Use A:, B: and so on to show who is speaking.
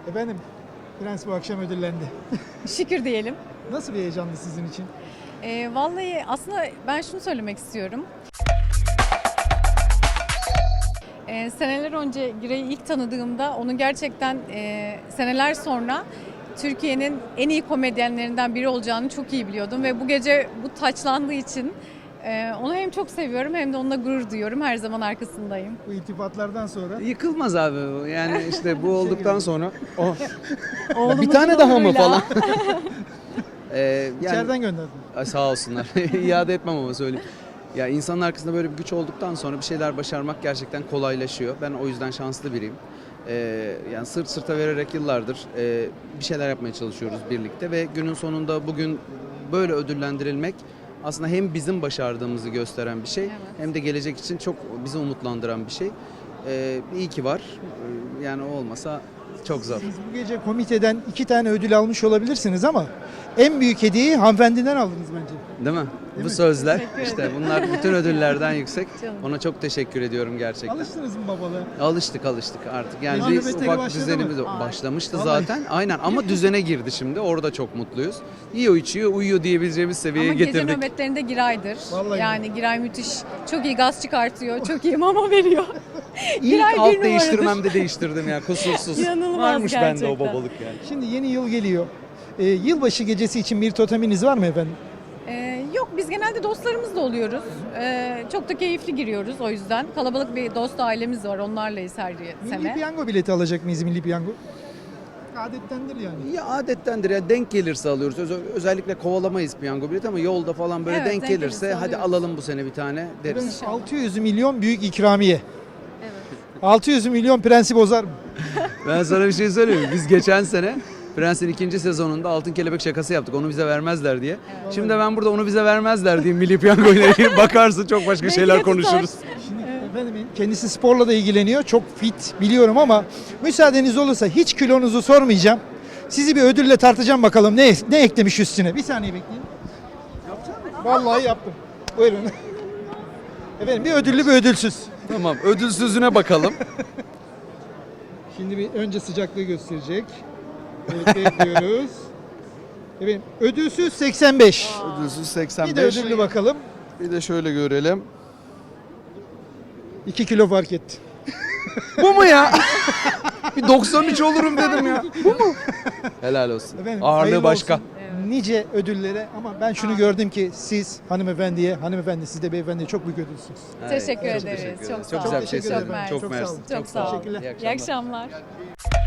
A: Efendim, Prens bu akşam ödüllendi.
B: Şükür diyelim.
A: Nasıl bir heyecandı sizin için?
B: Vallahi aslında ben şunu söylemek istiyorum. Seneler önce Giray'ı ilk tanıdığımda onun gerçekten seneler sonra Türkiye'nin en iyi komedyenlerinden biri olacağını çok iyi biliyordum. Ve bu gece bu taçlandığı için onu hem çok seviyorum hem de onunla gurur duyuyorum. Her zaman arkasındayım.
A: Bu iltifatlardan sonra
C: Yıkılmaz abi bu. Yani işte bu olduktan sonra
B: Oğlumuzun
C: bir tane daha mı
B: onuruyla.
C: falan?
A: içeriden gönderdim.
C: Ay, sağ olsunlar. İade etmem ama söyleyeyim. Ya insanın arkasında böyle bir güç olduktan sonra bir şeyler başarmak gerçekten kolaylaşıyor. Ben o yüzden şanslı biriyim. Yani sırt sırta vererek yıllardır bir şeyler yapmaya çalışıyoruz birlikte ve günün sonunda bugün böyle ödüllendirilmek aslında hem bizim başardığımızı gösteren bir şey,
B: Evet.
C: hem de gelecek için çok bizi umutlandıran bir şey. İyi ki var. Yani o olmasa çok zor.
A: Siz bu gece komiteden 2 tane ödül almış olabilirsiniz ama en büyük hediyeyi hanımefendiden aldınız bence.
C: Değil mi?
A: Değil
C: Bu
A: mi?
C: sözler
B: Teşekkür
C: işte
B: ederim.
C: bunlar bütün ödüllerden yüksek.
B: Canım.
C: Ona çok teşekkür ediyorum gerçekten.
A: Alıştınız mı babalığa?
C: Alıştık artık. Yani
A: Hanım
C: bir
A: beteri
C: ufak
A: başladı
C: düzenimiz
A: mı?
C: başlamıştı
A: Vallahi.
C: zaten. Aynen ama düzene girdi şimdi. Orada çok mutluyuz. Yiyor, içiyor, uyuyor diyebileceğimiz seviyeye
B: Ama gece
C: getirdik.
B: nöbetlerinde Giray'dır.
A: Vallahi.
B: Yani Giray müthiş. Çok iyi gaz çıkartıyor. Çok iyi mama veriyor.
C: İlk
B: Giray bir
C: alt
B: numaradır.
C: değiştirmemde değiştirdim ya kusursuz.
B: İnanılmaz
C: Varmış bende o
B: gerçekten.
C: babalık yani.
A: Şimdi yeni yıl geliyor. Yılbaşı gecesi için bir toteminiz var mı efendim?
B: Yok biz genelde dostlarımızla oluyoruz. Çok da keyifli giriyoruz o yüzden. Kalabalık bir dost ailemiz var. Onlarlayız her
A: Milli
B: sene.
A: piyango bileti alacak mıyız milli piyango? Adettendir yani.
C: Ya adettendir ya, denk gelirse alıyoruz. Özellikle kovalamayız piyango bileti ama yolda falan böyle
B: Evet,
C: denk
B: denk
C: gelirse
B: gelirse
C: hadi
B: alıyoruz.
C: alalım bu sene bir tane deriz.
B: İnşallah.
A: 600 milyon büyük ikramiye.
B: Evet.
A: 600 milyon prensi bozar mı?
C: Ben sana bir şey söyleyeyim mi? Biz geçen sene Prens'in 2. sezonunda altın kelebek şakası yaptık. Onu bize vermezler diye. Şimdi ben burada onu bize vermezler diye milli piyango ile ilgili bakarsın çok başka şeyler
B: Belki de tutar.
C: konuşuruz.
A: Şimdi efendim kendisi sporla da ilgileniyor. Çok fit biliyorum ama müsaadeniz olursa hiç kilonuzu sormayacağım. Sizi bir ödülle tartacağım bakalım ne eklemiş üstüne. Bir saniye bekleyin. Vallahi yaptım. Buyurun. Efendim bir ödüllü bir ödülsüz.
C: Tamam, ödülsüzüne bakalım.
A: Şimdi bir önce sıcaklığı gösterecek. Evet bekliyoruz. Efendim ödülsüz 85.
C: Ödülsüz
A: Bir
C: 85.
A: de ödüllü bakalım.
C: Bir de şöyle görelim.
A: 2 kilo fark etti.
C: Bu mu ya? Bir 93 olurum dedim ya. Bu mu? Helal olsun.
A: Efendim,
C: Ağırlığı
A: hayırlı
C: başka.
A: olsun. Nice ödüllere ama ben şunu gördüm ki siz hanımefendi siz de beyefendiye çok büyük ödülsünüz.
B: Teşekkür
C: çok
B: ederiz.
C: teşekkür
B: Çok
C: ederiz.
B: sağ
C: Çok güzel
B: olun.
C: bir şey
A: Teşekkür ederim.
C: söyledin.
B: Çok
C: Çok
B: mersi.
C: mersi.
A: Çok sağ olun.
B: Çok sağ olun.
A: Teşekkürler.
B: İyi akşamlar.